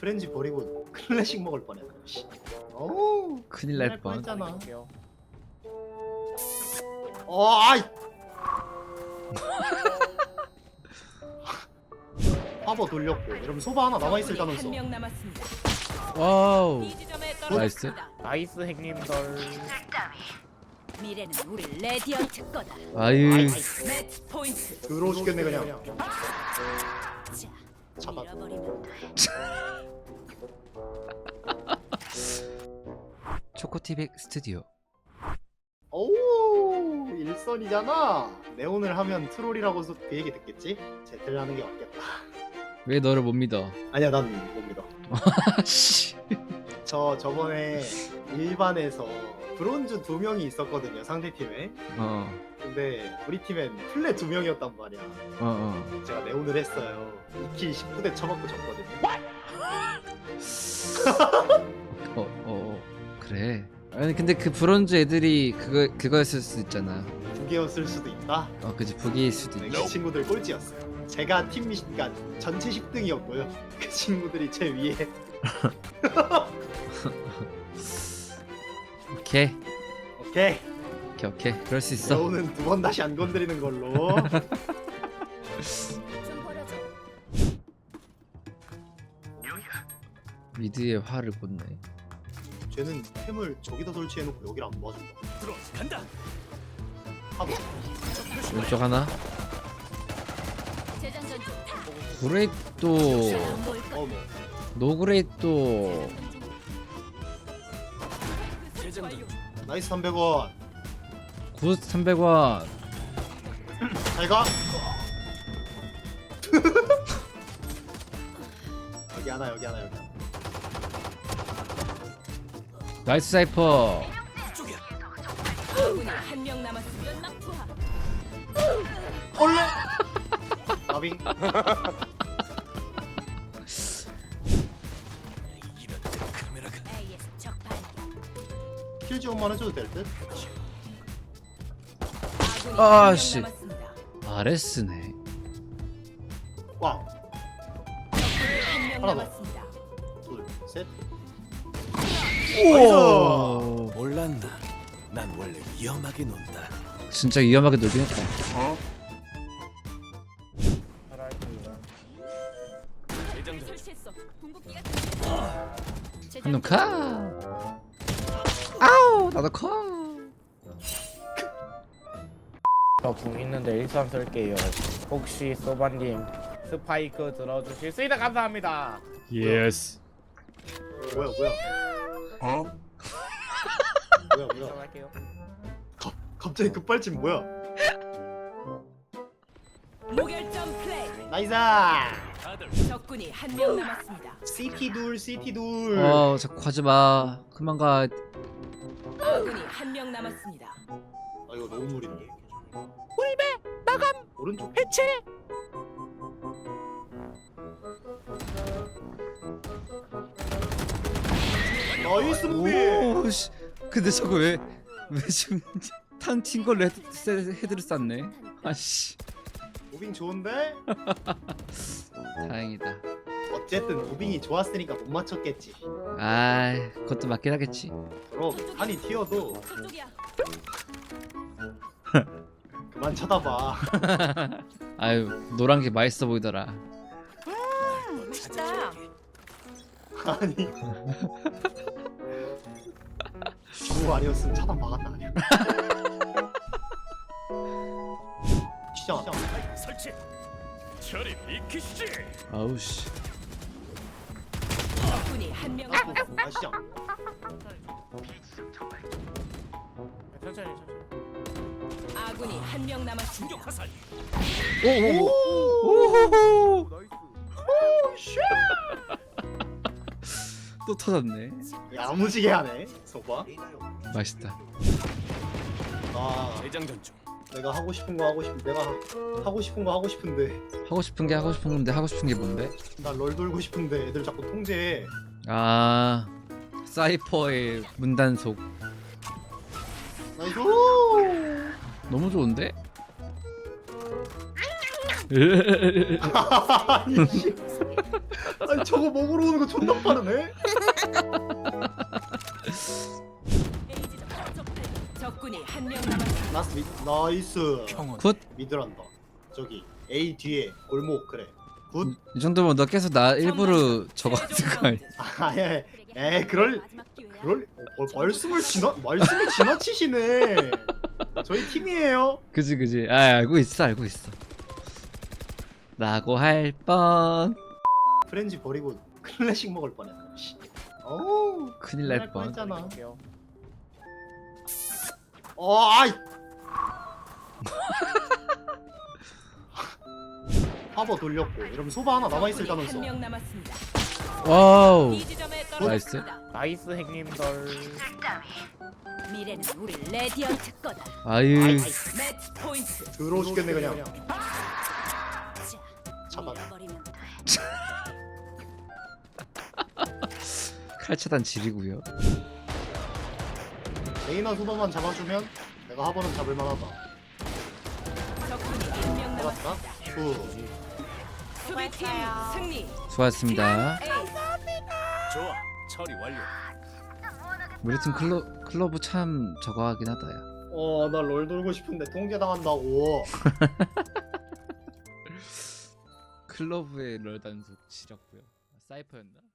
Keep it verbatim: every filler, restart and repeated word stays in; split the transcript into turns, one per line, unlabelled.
프렌즈 버리고 클래식 먹을 뻔했네. 씨. 어우
큰일 날 뻔.
뻔했잖아. 어 아이. 파버 돌렸고 이러면 소바 하나 남아 있을다면서.
한명 남았습니다.
와우.
이 지점에
나이스.
떨어졌습니다.
나이스 행님들.
미래는 우리 레디언트 거다.
아유.
아이,
매치 포인트.
더러워 죽겠네 그냥.
자,
잡아.
밀어버리면 돼.
초코티빅 스튜디오.
오 일선이잖아. 네온을 하면 트롤이라고서 그 얘기 듣겠지? 제틀 하는 게 맞겠다.
왜 너를 못 믿어?
아니야 난 못 믿어.
씨.
저 저번에 일반에서 브론즈 두 명이 있었거든요 상대 팀에.
어.
근데 우리 팀엔 플레 두 명이었단 말이야.
어 어.
제가 네온을 했어요. 이 킬 십구 대 쳐먹고 졌거든요.
어, 어, 어. 그래. 아니 근데 그 브론즈 애들이 그거 그거였을 수도 있잖아.
두 개였을 수도 있다.
어, 그지 북이일 수도
네,
있.
그 친구들 꼴찌였어요. 제가 팀 미, 그러니까 전체 십 등이었고요. 그 친구들이 제 위에.
오케이,
오케이.
오케이, 오케이. 그럴 수 있어.
네온은 두 번 다시 안 건드리는 걸로.
좀 버려줘.
미드에 화를 꽂네.
쟤는 템을 저기다 설치해놓고 여기를 안 모아준다.
간다.
하도.
왼쪽 하나.
재장전 중.
그레이도
안 보일 거야.
어머.
노그레이도
나이스 삼백 원.
굿 삼백 원.
잘 가. 여기 하나 여기 하나 여기 하나.
나이스 사이퍼.
아군이 한 명 남았습니다. 연막 투하.
올레. 나비.
에이에스 적발.
킬 지원만 해줘도 될 듯?
아군이
아,
한명
씨.
남았습니다.
아레스네.
와.
한 명
하나 더.
남았습니다.
둘, 셋.
우와.
몰랐나? 난 원래 위험하게 논다.
진짜 위험하게 놀긴 했다.
설치했어. 궁극기가
한놈 카. 아우 나도 커.
저궁 있는데 일선 쓸게요. 혹시 소바님 스파이크 들어주실 수 있다 감사합니다.
예스.
뭐야 뭐야.
어?
뭐야 뭐야.
일선할게요.
갑자기 급발진 뭐야.
무결점 플레이.
나이스.
적군이 한 명 남았습니다.
시티 둘 시티 둘.
어 자꾸 가지 마. 그만 가.
아군이 한 명 남았습니다.
아 이거 너무 무리인데. 울베 나감. 오른쪽
해체.
나이스 무비.
오 씨. 근데 저거 왜 왜 지금 탄친 걸로 헤드, 세- 헤드를 쐈네. 아씨.
무빙 좋은데?
다행이다.
어쨌든 무빙이 좋았으니까 못 맞췄겠지.
아 그것도 맞긴 하겠지.
그럼 한이 튀어도
저쪽이야.
그만 쳐다봐.
아유 노란 게 맛있어 보이더라.
맛있다.
아니. 주부 아니었으면 차단 막았다 아니야. 시작.
설치. 처리 비키시.
아우 씨.
적군이 한 명 남았습니다.
아 시작.
천천히 천천히.
아군이 한 명 남았습니다.
화살.
오오오.
나이스.
또 터졌네.
야무지게 하네. 소바.
맛있다.
아
재장전 중.
내가 하고 싶은 거 하고 싶. 내가 하고 싶은 거 하고 싶은데
하고 싶은 게 하고 싶은 건데 하고 싶은 게 뭔데?
나 롤 돌고 싶은데 애들 자꾸 통제해.
아 사이퍼의 문단속
나이스.
너무 좋은데?
아니 씨. 아니 저거 먹으러 오는 거 존나 빠르네.
적군이 한 명 남았습니다.
나이스 미, 나이스.
굿.
미드란다. 저기 A 뒤에 골목 그래. 굿.
이 정도면 너 계속 나 일부러 저거 하는 거 아니야?
아예 에 그럴 그럴 어, 어, 말씀을 지나 말씀을 지나치시네. 저희 팀이에요.
그지 그지. 아 알고 있어 알고 있어. 라고 할 뻔.
프렌지 버리고 클래식 먹을 뻔했네. 씨. 어우
큰일 날 뻔.
뻔했잖아.
할게요.
어 아이. 파버 돌렸고 이러면 소바 하나 남아 있을 가면서.
한명 남았습니다.
와우.
이 지점에
나이스.
떨어졌습니다.
나이스 행님들.
미래는 우리 레디언트 거다.
아유.
아이, 아이
매치 포인트.
더러워 죽겠네 그냥. 차단.
밀어버리면 돼.
칼차단 지리고요.
레이나 소바만 잡아주면 내가 하버는 잡을만하다.
적군이 한 명
잡았다.
남았습니다.
후.
수비팀 승리.
수고하셨습니다.
A.
좋아, 처리 완료.
우리 팀 클로 클로브 참 저거 하긴 하다야.
어, 나 롤 돌고 싶은데 통제 당한다고.
클로브의 럴 단속 지렸고요. 사이퍼였나?